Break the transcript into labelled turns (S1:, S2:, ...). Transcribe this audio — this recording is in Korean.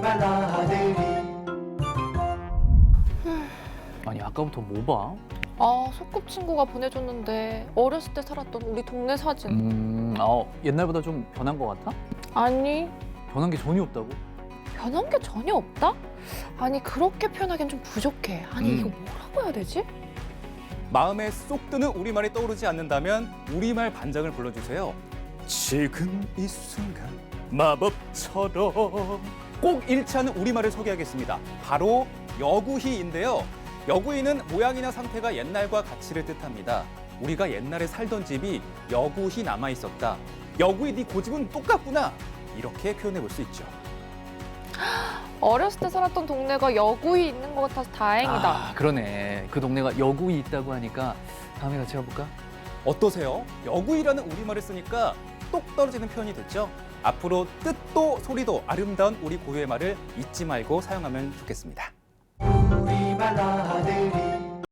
S1: 정말 나들이.
S2: 아니 아까부터 뭐 봐?
S3: 아, 소꿉친구가 보내줬는데 어렸을 때 살았던 우리 동네 사진.
S2: 옛날보다 좀 변한 것 같아?
S3: 아니,
S2: 변한 게 전혀 없다고?
S3: 변한 게 전혀 없다? 아니, 그렇게 표현하기엔 좀 부족해. 아니, 이거
S2: 음.
S3: 뭐라고 해야 되지?
S4: 마음에 쏙 드는 우리말이 떠오르지 않는다면 우리말 반장을 불러주세요. 지금 이 순간 마법처럼 꼭 잃지 않은 우리말을 소개하겠습니다. 바로 여구희인데요. 여구희는 모양이나 상태가 옛날과 가치를 뜻합니다. 우리가 옛날에 살던 집이 여구희 남아있었다. 여구희 네 고집은 똑같구나. 이렇게 표현해 볼 수 있죠.
S3: 어렸을 때 살았던 동네가 여구이 있는 것 같아서 다행이다.
S2: 아, 그러네. 그 동네가 여구이 있다고 하니까 다음에 같이 가볼까?
S4: 어떠세요? 여구이라는 우리말을 쓰니까 똑 떨어지는 표현이 됐죠? 앞으로 뜻도 소리도 아름다운 우리 고유의 말을 잊지 말고 사용하면 좋겠습니다.